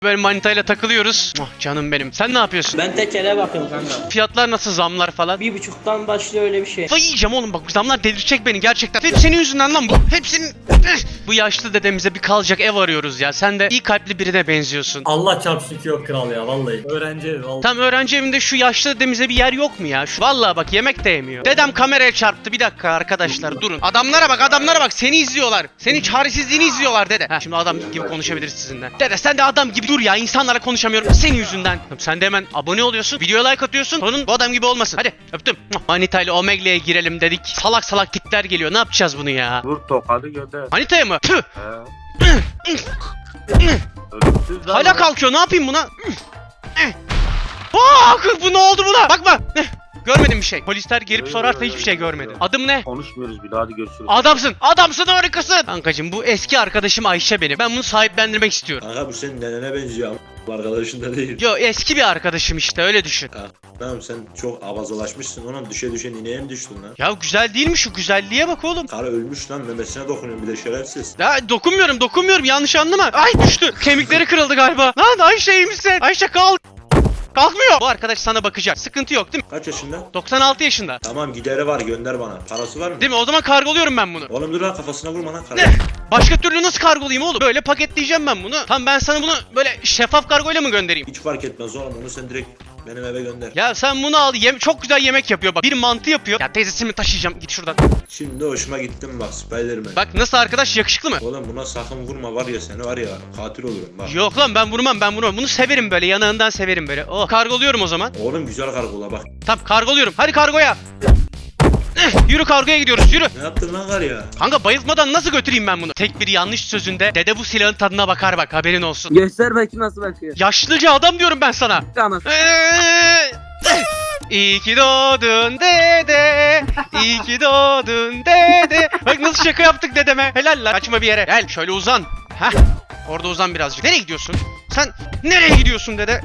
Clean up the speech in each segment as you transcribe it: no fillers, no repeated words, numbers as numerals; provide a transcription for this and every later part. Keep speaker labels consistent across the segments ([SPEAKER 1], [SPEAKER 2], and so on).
[SPEAKER 1] Böyle manitayla takılıyoruz. Oh, canım benim. Sen ne yapıyorsun?
[SPEAKER 2] Ben tekele bakıyorum kanka.
[SPEAKER 1] Fiyatlar nasıl, zamlar falan?
[SPEAKER 2] 1,5'tan başlıyor öyle bir şey.
[SPEAKER 1] Vay yiyeceğim oğlum, bak zamlar delirecek beni gerçekten. Hep senin yüzünden lan bu. Hepsinin... Bu yaşlı dedemize bir kalacak ev arıyoruz ya. Sen de iyi kalpli birine benziyorsun.
[SPEAKER 3] Allah çarpsın ki yok kral ya vallahi. Öğrenci evi vallahi.
[SPEAKER 1] Tam öğrenci evinde şu yaşlı dedemize bir yer yok mu ya? Vallahi bak yemek de yemiyor. Dedem kameraya çarptı. Bir dakika arkadaşlar durun. Adamlara bak seni izliyorlar. Senin çaresizliğini izliyorlar dede. Heh, şimdi adam gibi konuşabiliriz sizinle. Dede sen de adam gibi dur ya, insanlarla konuşamıyorum senin yüzünden. Sen de hemen abone oluyorsun, videoya like atıyorsun. Sonun bu adam gibi olmasın. Hadi öptüm. Manita ile Omegle'ye girelim dedik. Salak salak tipler geliyor. Ne yapacağız bunu ya?
[SPEAKER 4] Vur tokadı gönder.
[SPEAKER 1] Manita'ya mı? Tüh.
[SPEAKER 4] Ölümsüz lan.
[SPEAKER 1] Hala kalkıyor. Ne yapayım buna? Aa, bu ne oldu buna? Bakma. Görmedim bir şey. Polisler gelip sorarsa hiçbir şey görmedim. Adım ne?
[SPEAKER 4] Konuşmuyoruz bile, hadi görüşürüz.
[SPEAKER 1] Adamsın harikasın. Kankacım bu eski arkadaşım Ayşe benim. Ben bunu sahiplendirmek istiyorum.
[SPEAKER 5] Kanka bu senin nenene benziyor ama arkadaşın da değil.
[SPEAKER 1] Yo, eski bir arkadaşım işte, öyle düşün.
[SPEAKER 5] Tamam sen çok avazalaşmışsın, ona düşe düşe nineye mi düştün lan?
[SPEAKER 1] Ya güzel değil mi, şu güzelliğe bak oğlum.
[SPEAKER 5] Karı ölmüş lan, memesine dokunuyor bir de şerefsiz.
[SPEAKER 1] Ya dokunmuyorum, yanlış anlama. Ay düştü. Kemikleri kırıldı galiba. Lan Ayşe iyi misin? Ayşe kalk. Kalkmıyor. Bu arkadaş sana bakacak. Sıkıntı yok değil mi?
[SPEAKER 5] Kaç yaşında?
[SPEAKER 1] 96 yaşında.
[SPEAKER 5] Tamam gideri var, gönder bana. Parası var mı?
[SPEAKER 1] Değil mi? O zaman kargoluyorum ben bunu.
[SPEAKER 5] Oğlum dur lan, kafasına vurma lan karı.
[SPEAKER 1] Ne? Başka türlü nasıl kargolayayım oğlum? Böyle paketleyeceğim ben bunu. Tamam, ben sana bunu böyle şeffaf kargoyla mı göndereyim?
[SPEAKER 5] Hiç fark etmez oğlum, onu sen direkt benim eve gönder.
[SPEAKER 1] Ya sen bunu al. Çok güzel yemek yapıyor bak. Bir mantı yapıyor. Ya teyzesini taşıyacağım. Git şuradan.
[SPEAKER 5] Şimdi hoşuma gittim bak, Spiderman.
[SPEAKER 1] Bak nasıl arkadaş, yakışıklı mı?
[SPEAKER 5] Oğlum buna sakın vurma, var ya seni var ya, katil olurum bak.
[SPEAKER 1] Yok lan, ben vurmam. Bunu severim böyle. Yanağından severim böyle. Oh, kargoluyorum o zaman.
[SPEAKER 5] Oğlum güzel kargola bak.
[SPEAKER 1] Tamam, kargoluyorum. Hadi kargoya. Yürü, kargoya gidiyoruz, yürü.
[SPEAKER 5] Ne yaptın lan kar ya?
[SPEAKER 1] Kanka bayıltmadan nasıl götüreyim ben bunu? Tek bir yanlış sözünde dede bu silahın tadına bakar bak, haberin olsun.
[SPEAKER 2] Göster bakayım nasıl bakıyor.
[SPEAKER 1] Yaşlıca adam diyorum ben sana.
[SPEAKER 2] Tamam.
[SPEAKER 1] İyi ki doğdun dede. İyi ki doğdun dede. Bak nasıl şaka yaptık dedeme. Helal lan. Kaçma bir yere. Gel şöyle uzan. Heh. Orada uzan birazcık. Nereye gidiyorsun? Sen nereye gidiyorsun dede?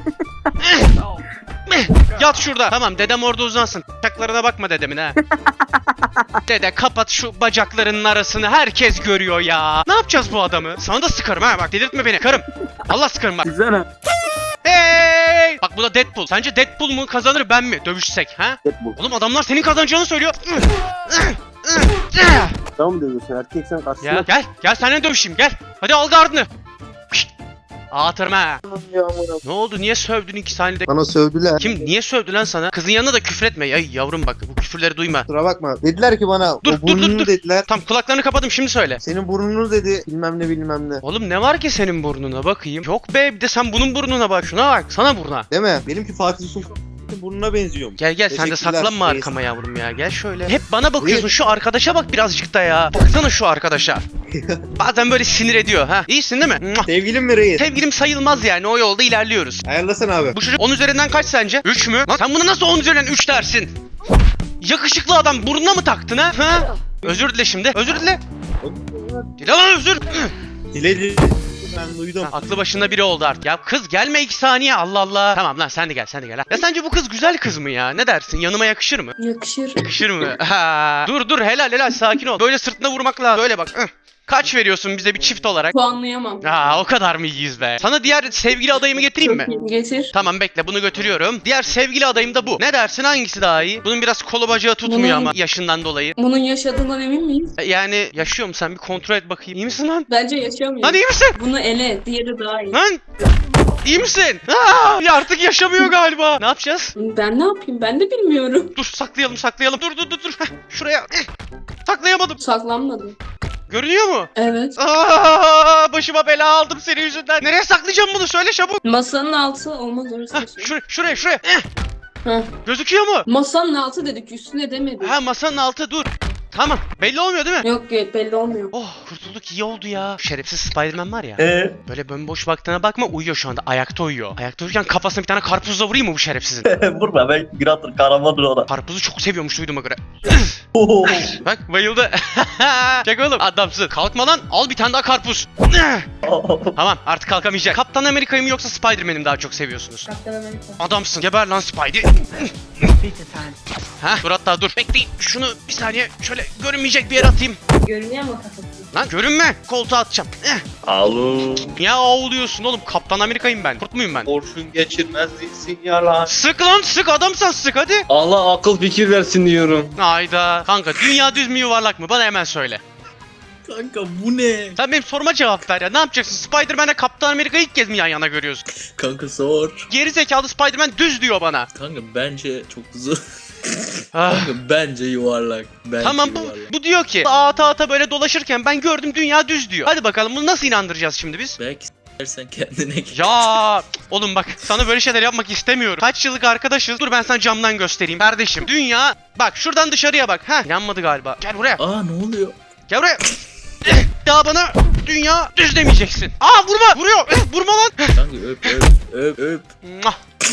[SPEAKER 1] Yat şurada. Tamam, dedem orada uzansın. Bacaklarına bakma dedemin ha. Dede kapat şu bacaklarının arasını, herkes görüyor ya. Ne yapacağız bu adamı? Sana da sıkarım ha, bak delirtme beni. Sıkarım. Allah sıkarım bak.
[SPEAKER 2] Güzel.
[SPEAKER 1] Hey! Bak bu da Deadpool. Sence Deadpool mu kazanır, ben mi dövüşsek ha?
[SPEAKER 2] Deadpool.
[SPEAKER 1] Oğlum adamlar senin kazanacağını söylüyor.
[SPEAKER 2] Tamam mı diyorsun? Erkeksen karşısına.
[SPEAKER 1] Gel seninle dövüşeyim, gel. Hadi al gardını. Pişt. Atırma. Ne oldu? Niye sövdün 2 saniyede?
[SPEAKER 6] Bana sövdüler.
[SPEAKER 1] Kim niye sövdü lan sana? Kızın yanında da küfretme. Ya yavrum bak, bu küfürleri duyma.
[SPEAKER 6] Kusura bakma. Dediler ki bana
[SPEAKER 1] Dur,
[SPEAKER 6] o burnunu
[SPEAKER 1] dur.
[SPEAKER 6] dediler.
[SPEAKER 1] Tam kulaklarını kapadım, şimdi söyle.
[SPEAKER 6] Senin burnunu dedi bilmem ne bilmem ne.
[SPEAKER 1] Oğlum ne var ki senin burnuna, bakayım. Yok be, bir de sen bunun burnuna bak. Şuna bak, sana buruna.
[SPEAKER 6] Değil mi? Benimki Fatih Sultan'ın burnuna benziyormuş.
[SPEAKER 1] Gel sen de
[SPEAKER 6] Teşekkürler,
[SPEAKER 1] saklanma
[SPEAKER 6] reis.
[SPEAKER 1] arkama yavrum ya. Gel şöyle. Hep bana bakıyorsun. Şu arkadaşa bak birazcık da ya. Baksana şu arkadaşa. Bazen böyle sinir ediyor ha. İyisin değil mi? Muah.
[SPEAKER 6] Sevgilim mi reis?
[SPEAKER 1] Sevgilim sayılmaz yani. O yolda ilerliyoruz.
[SPEAKER 6] Ayarlasana abi.
[SPEAKER 1] Bu çocuk 10 üzerinden kaç sence? 3 mü? Lan sen bunu nasıl 10 üzerinden 3 dersin? Yakışıklı adam, burnuna mı taktın ha? Ha? Özür dile şimdi. Özür dile. Dile lan özür.
[SPEAKER 6] Diledi. Ben duydum.
[SPEAKER 1] Aklı başında biri oldu artık. Ya kız gelme 2 saniye, Allah Allah. Tamam lan, sen de gel ha. Ya sence bu kız güzel kız mı ya? Ne dersin? Yanıma yakışır mı?
[SPEAKER 7] Yakışır.
[SPEAKER 1] Yakışır mı? Ha. Dur helal sakin ol. Böyle sırtına vurmak lazım. Böyle bak. Kaç veriyorsun bize bir çift olarak?
[SPEAKER 7] Puanlayamam.
[SPEAKER 1] O kadar mı iyiyiz be? Sana diğer sevgili adayımı getireyim mi?
[SPEAKER 7] Çok iyi. Getir.
[SPEAKER 1] Tamam bekle, bunu götürüyorum. Diğer sevgili adayım da bu. Ne dersin, hangisi daha iyi? Bunun biraz kolu bacağı tutmuyor ama yaşından dolayı.
[SPEAKER 7] Bunun yaşadığından emin miyiz?
[SPEAKER 1] Yani yaşıyor mu, sen bir kontrol et bakayım. İyi misin lan?
[SPEAKER 7] Bence yaşamıyor.
[SPEAKER 1] Lan iyi misin?
[SPEAKER 7] Bunu ele. Diğeri daha iyi.
[SPEAKER 1] Lan! İyi misin? Ya artık yaşamıyor galiba. Ne yapacağız?
[SPEAKER 7] Ben ne yapayım? Ben de bilmiyorum.
[SPEAKER 1] Dur saklayalım. Dur. Heh, şuraya. Saklayamadım.
[SPEAKER 7] Saklanmadım.
[SPEAKER 1] Görünüyor mu?
[SPEAKER 7] Evet.
[SPEAKER 1] Başıma bela aldım senin yüzünden. Nereye saklayacağım bunu? Söyle çabuk.
[SPEAKER 7] Masanın altı olmaz orası.
[SPEAKER 1] Şuraya.
[SPEAKER 7] Heh.
[SPEAKER 1] Gözüküyor mu?
[SPEAKER 7] Masanın altı dedik. Üstüne demedik.
[SPEAKER 1] Masanın altı, dur. Tamam. Belli olmuyor değil mi?
[SPEAKER 7] Yok belli olmuyor.
[SPEAKER 1] Oh, kurtulduk, iyi oldu ya. Şerefsiz Spiderman var ya. Böyle bomboş baktığına bakma, uyuyor şu anda. Ayakta uyuyor. Ayakta uyurken kafasına bir tane karpuzla vurayım mı bu şerefsizin?
[SPEAKER 3] Vurma ben Gratter kahramandır ona.
[SPEAKER 1] Karpuzu çok seviyormuş duyduğuma göre. Bak bayıldı. Çek oğlum, adamsın. Kalkma lan, al bir tane daha karpuz. Tamam, artık kalkamayacak. Kaptan Amerika'yı mı yoksa Spiderman'i mi daha çok seviyorsunuz?
[SPEAKER 7] Kaptan Amerika.
[SPEAKER 1] Adamsın, geber lan Spidey. Dur hatta dur. Bekleyin, şunu bir saniye şöyle görünmeyecek bir yere atayım.
[SPEAKER 7] Görünüyor mu kafası?
[SPEAKER 1] Lan görünme. Koltuğa atacağım.
[SPEAKER 6] Alo.
[SPEAKER 1] Niye ağlıyorsun oğlum? Kaptan Amerika'yım ben. Kurt muyum ben?
[SPEAKER 6] Kurşun geçirmez değilsin yalan.
[SPEAKER 1] Sık lan sık, adamsan sık hadi.
[SPEAKER 8] Allah akıl fikir versin diyorum.
[SPEAKER 1] Hayda. Kanka dünya düz mü yuvarlak mı? Bana hemen söyle.
[SPEAKER 3] Kanka bu ne?
[SPEAKER 1] Sen benim soruma cevap ver ya. Ne yapacaksın? Spider-Man'le Kaptan Amerika'yı ilk kez mi yan yana görüyorsun?
[SPEAKER 3] Kanka sor.
[SPEAKER 1] Geri zekalı Spider-Man düz diyor bana.
[SPEAKER 3] Kanka bence çok zor.
[SPEAKER 1] Ah.
[SPEAKER 3] Kanka bence yuvarlak. Bence
[SPEAKER 1] Tamam
[SPEAKER 3] yuvarlak.
[SPEAKER 1] bu diyor ki ata ata böyle dolaşırken ben gördüm dünya düz diyor. Hadi bakalım bunu nasıl inandıracağız şimdi biz?
[SPEAKER 3] Belki s**ersen kendine gel.
[SPEAKER 1] Ya oğlum bak sana böyle şeyler yapmak istemiyorum. Kaç yıllık arkadaşız. Dur ben sana camdan göstereyim. Kardeşim dünya bak şuradan dışarıya bak. Heh inanmadı galiba. Gel buraya.
[SPEAKER 3] Aa ne oluyor?
[SPEAKER 1] Gel buraya. Ya bana dünya düz demeyeceksin. Aa vurma. Vuruyor. Vurma lan.
[SPEAKER 3] Kanka öp.
[SPEAKER 1] Muah.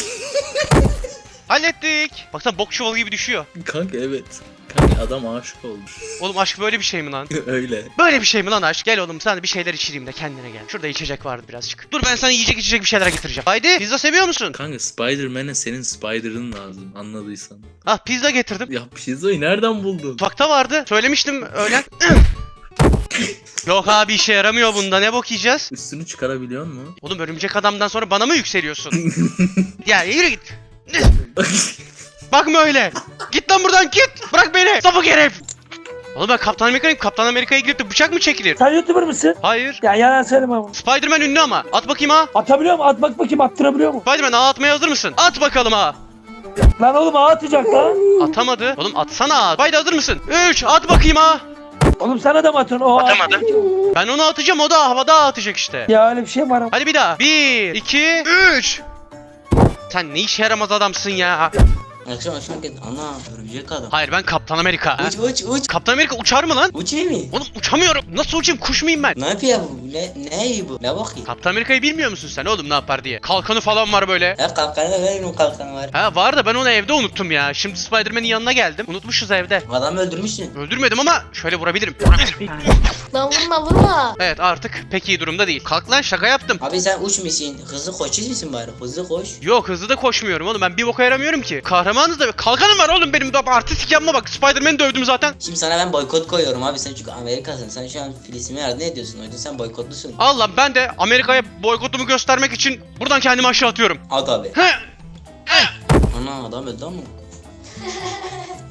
[SPEAKER 1] Hallettik. Baksana bok çuvalı gibi düşüyor.
[SPEAKER 3] Kanka evet. Kanka adam aşık olmuş.
[SPEAKER 1] Oğlum aşk böyle bir şey mi lan?
[SPEAKER 3] Öyle.
[SPEAKER 1] Böyle bir şey mi lan aşk? Gel oğlum sana bir şeyler içireyim de kendine gel. Şurada içecek vardı birazcık. Dur ben sana yiyecek içecek bir şeyler getireceğim. Haydi pizza seviyor musun?
[SPEAKER 3] Kanka Spider-Man'e senin Spider'ın lazım anladıysan.
[SPEAKER 1] Ah pizza getirdim.
[SPEAKER 3] Ya pizzayı nereden buldun?
[SPEAKER 1] Mutfakta vardı. Söylemiştim öğlen. Yok abi işe yaramıyor bunda. Ne bok yiyeceğiz?
[SPEAKER 3] Üstünü çıkarabiliyor musun?
[SPEAKER 1] Oğlum örümcek adamdan sonra bana mı yükseliyorsun? Ya yürü git. Bakma öyle. Git lan buradan git. Bırak beni. Sapık herif. Oğlum ben Kaptan Amerika'yım. Kaptan Amerika'ya girip de bıçak mı çekilir?
[SPEAKER 9] Sen YouTuber mısın?
[SPEAKER 1] Hayır.
[SPEAKER 9] Ya yalan söyleme ama.
[SPEAKER 1] Spider-Man ünlü ama. At bakayım ha.
[SPEAKER 9] Atabiliyor mu? At bak bakayım, attırabiliyor mu?
[SPEAKER 1] Spider-Man ağa atmaya hazır mısın? At bakalım ha.
[SPEAKER 9] Lan oğlum ağa atacak lan.
[SPEAKER 1] Atamadı. Oğlum atsana ağa. Haydi hazır mısın? 3 at bakayım ha.
[SPEAKER 9] Oğlum sana da mı atın? O
[SPEAKER 1] Atamadı. Ben onu atacağım, o da havada atacak işte.
[SPEAKER 9] Ya öyle bir şey var ama.
[SPEAKER 1] Hadi bir daha. 1 2 3. Sen ne işe yaramaz adamsın ya.
[SPEAKER 2] Akşam git. Ana örümcek adam.
[SPEAKER 1] Hayır ben Kaptan Amerika.
[SPEAKER 2] Uç.
[SPEAKER 1] Kaptan Amerika uçar mı lan?
[SPEAKER 2] Uçayım mı?
[SPEAKER 1] Oğlum uçamıyorum. Nasıl uçayım? Kuş muyum ben?
[SPEAKER 2] Ne yapıyor bu? Ne iyi bu? Ne bakayım?
[SPEAKER 1] Kaptan Amerika'yı bilmiyor musun sen oğlum ne yapar diye? Kalkanı falan var böyle.
[SPEAKER 2] Ya kalkanı da verin, o kalkanı var.
[SPEAKER 1] Ha var da ben onu evde unuttum ya. Şimdi Spider-Man'in yanına geldim. Unutmuşuz evde.
[SPEAKER 2] Adamı öldürmüşsün.
[SPEAKER 1] Öldürmedim ama şöyle vurabilirim.
[SPEAKER 7] Lan vurma.
[SPEAKER 1] Evet artık pek iyi durumda değil. Kalk lan şaka yaptım.
[SPEAKER 2] Abi sen uçmuşsun. Hızlı koşuyor musun bari? Hızlı koş.
[SPEAKER 1] Yok hızlı da koşmuyorum oğlum ben bir boka yaramıyorum ki. Kahramanız da kalkanım var oğlum benim de artistik yapma bak. Spider-Man'i dövdüm zaten.
[SPEAKER 2] Şimdi sana ben boykot koyuyorum abi, sen çünkü Amerika'sın. Sen şu an Filistin'e yardım ediyorsun. O yüzden sen boykotlusun.
[SPEAKER 1] Allah ben de Amerika'ya boykotumu göstermek için buradan kendimi aşağı atıyorum.
[SPEAKER 2] At abi.
[SPEAKER 1] He.
[SPEAKER 2] Ana adam öldü ama.